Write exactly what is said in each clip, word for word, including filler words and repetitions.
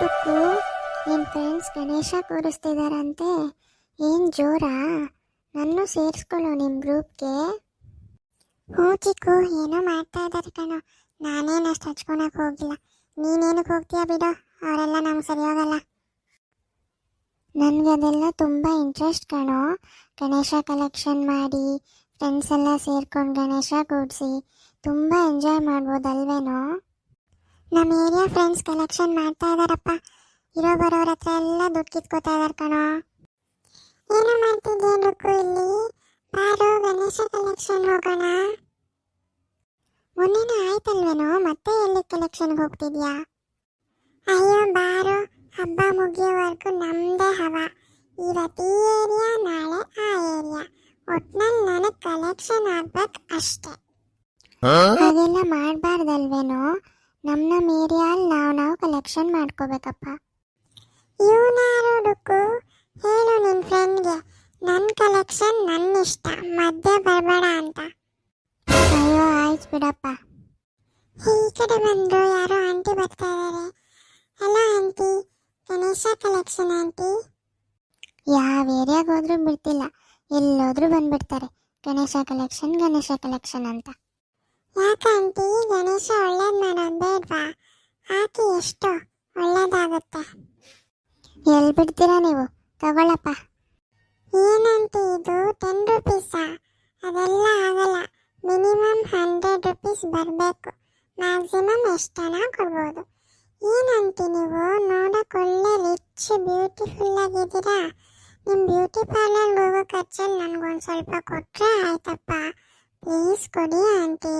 Tuk, ನಿನ್ನ friends Ganesha ಕೂರಿಸ್ತಿದಾರಂತೆ. ಏನು ಜೋರಾ? ನನ್ನೂ ಸೇರಿಸ್ಕೊಳ್ಳೋ ನಿಮ್ಮ ಗ್ರೂಪ್ಗೆ. ಹ್ಞೂ ಚಿಕ್ಕು, ಏನೋ ಮಾಡ್ತಾ ಇದ್ದಾರೆ ಕಣೋ. ನಾನೇನು ಅಷ್ಟು ಹಚ್ಕೊಳಕ್ಕೆ ಹೋಗಿಲ್ಲ. ನೀನೇನಕ್ಕೆ ಹೋಗ್ತೀಯಾ ಬಿಡೋ, ಅವರೆಲ್ಲ ನಮ್ಗೆ ಸರಿ ಹೋಗಲ್ಲ. ನನಗೆ ಅದೆಲ್ಲ ತುಂಬ ಇಂಟ್ರೆಸ್ಟ್ ಕಣೋ. ಗಣೇಶ ಕಲೆಕ್ಷನ್ ಮಾಡಿ ಫ್ರೆಂಡ್ಸ್ ಎಲ್ಲ ಸೇರ್ಕೊಂಡು ಗಣೇಶ ಕೂಡಿಸಿ ತುಂಬ ಎಂಜಾಯ್ ಮಾಡ್ಬೋದಲ್ವೇನೋ. ನಮ್ಮ ಏರಿಯಾ ಫ್ರೆಂಡ್ಸ್ ಕಲೆಕ್ಷನ್ ಮಾಡ್ತಾ ಇದ್ದಾರಪ್ಪ. ಇರೋ ಬರೋರ ಹತ್ರ ಎಲ್ಲ ದುಡ್ಡು ಕಿತ್ಕೋತಾ ಇದ್ದಾರೆ ಕಣೋ. ಏನೋ ಮಾಡ್ತಿದ್ದೇನಕ್ಕೂ ಇಲ್ಲಿ, ಬಾರೋ ಗಣೇಶ ಕಲೆಕ್ಷನ್ ಹೋಗೋಣ. ಮೊನ್ನೆನೇ ಆಯ್ತಲ್ವೇನೋ, ಮತ್ತೆ ಎಲ್ಲಿ ಕಲೆಕ್ಷನ್ಗೆ ಹೋಗ್ತಿದ್ಯಾ? ಅಯ್ಯೋ ಬಾರೋ, ಹಬ್ಬ ಮುಗಿಯೋವರೆಗೂ ನಮ್ಮದೇ ಹವ. ಇವತ್ತು ಈ ಏರಿಯಾ, ನಾಳೆ ಆ ಏರಿಯಾ. ಒಟ್ನಲ್ಲಿ ನನಗೆ ಕಲೆಕ್ಷನ್ ಆಗ್ಬೇಕು ಅಷ್ಟೇ. ಹಾಗೆಲ್ಲ ಮಾಡಬಾರ್ದಲ್ವೇನೋ. ನಮ್ಮ ನಮ್ಮ ಏರಿಯಲ್ಲಿ ನಾವು ನಾವು ಕಲೆಕ್ಷನ್ ಮಾಡ್ಕೋಬೇಕಪ್ಪ. ಇವನಾರು ಡುಕ್ಕು, ಹೇಳು ನಿನ್ನ ಫ್ರೆಂಡ್ಗೆ ನನ್ನ ಕಲೆಕ್ಷನ್ ನನ್ನ ಇಷ್ಟ, ಮಧ್ಯೆ ಬರಬೇಡ ಅಂತ. ಅಯ್ಯೋ ಆಯ್ತು ಬಿಡಪ್ಪ. ಈ ಕಡೆ ಬಂದರು, ಯಾರೋ ಆಂಟಿ ಬರ್ತಾ ಇದ್ದಾರೆ. Hello aunty, Ganesha collection aunty. ಯಾವ ಏರಿಯಾಗೆ ಹೋದ್ರೂ ಬಿಡ್ತಿಲ್ಲ, ಎಲ್ಲೋದ್ರೂ ಬಂದ್ಬಿಡ್ತಾರೆ ಗಣೇಶ ಕಲೆಕ್ಷನ್ ಗಣೇಶ ಕಲೆಕ್ಷನ್ ಅಂತ. ಯಾಕಂಟಿ, ಗಣೇಶ ಒಳ್ಳೇದು ಮಾಡೋದು ಬೇಡ್ವಾ? ಹಾಕಿ, ಎಷ್ಟು ಒಳ್ಳೇದಾಗುತ್ತೆ. ಎಲ್ಲಿ ಬಿಡ್ತೀರಾ ನೀವು? ತಗೊಳಪ್ಪ. ಏನಂತ ಇದು ಟೆನ್ ರುಪೀಸಾ? ಅದೆಲ್ಲ ಆಗಲ್ಲ. ಮಿನಿಮಮ್ ಹಂಡ್ರೆಡ್ ರುಪೀಸ್ ಬರಬೇಕು. ಮ್ಯಾಕ್ಸಿಮಮ್ ಎಷ್ಟನ ಕೊಡ್ಬೋದು. ಏನಂತಿ ನೀವು? ನೋಡೋಕೆ ಒಳ್ಳೆ ರಿಚ್ ಬ್ಯೂಟಿಫುಲ್ ಆಗಿದ್ದೀರಾ. ನಿಮ್ಮ ಬ್ಯೂಟಿ ಪಾರ್ಲರ್ಗೆ ಹೋಗೋ ಖರ್ಚಲ್ಲಿ ನನಗೊಂದು ಸ್ವಲ್ಪ ಕೊಟ್ಟರೆ ಆಯ್ತಪ್ಪ. ಪ್ಲೀಸ್ ಕೊಡಿ ಆಂಟಿ.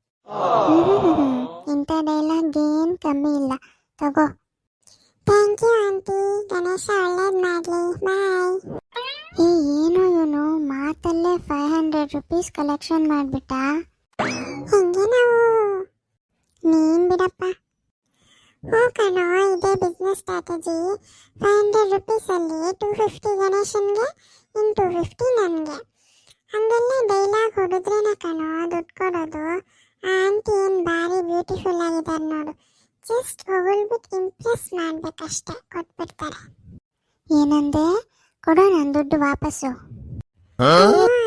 ಇಂಥ ಡೈಲಾಗ್ ಏನು ಕಮ್ಮಿ ಇಲ್ಲ, ತಗೋ. ಥ್ಯಾಂಕ್ ಯು ಆಂಟಿ, ಗಣೇಶ ಒಳ್ಳೇದು ಮಾಡಲಿ, ಬಾಯ್. ಏ ಏನೋ ಇವನು ಮಾತಲ್ಲೇ ಫೈವ್ ಹಂಡ್ರೆಡ್ ರುಪೀಸ್ ಕಲೆಕ್ಷನ್ ಮಾಡಿಬಿಟ್ಟ. ಹೆಂಗೆ ನಾವು? ನೀನು ಬಿಡಪ್ಪ. ಹ್ಞೂ ಕಣೋ, ಇದೇ ಬಿಸ್ನೆಸ್ ಸ್ಟ್ರಾಟಜಿ. ಫೈವ್ ಹಂಡ್ರೆಡ್ ರುಪೀಸಲ್ಲಿ ಟೂ ಫಿಫ್ಟಿ ಗಣೇಶನ್ಗೆ, ಇನ್ನು ಟೂ ಫಿಫ್ಟಿ ನನಗೆ. ಹಂಗೆಲ್ಲ ಡೈಲಾಗ್ ಹೊಡೆದ್ರೇನೆ ಕಣೋ ದುಡ್ಡು ಕೊಡೋದು. ಆಂಟಿ ಏನು ಭಾರಿ ಬ್ಯೂಟಿಫುಲ್ ಆಗಿದ್ದಾರೆ ನೋಡು. ಜಸ್ಟ್ ಹೊಗಳ್ಬಿಟ್ಟು ಇಂಪ್ರೆಸ್ ಮಾಡ್ಬೇಕಷ್ಟೆ, ಕೊಟ್ಬಿಡ್ತಾರೆ. ಏನಂದೆ? ಕೊಡೋ ನನ್ನ ದುಡ್ಡು ವಾಪಸ್ಸು.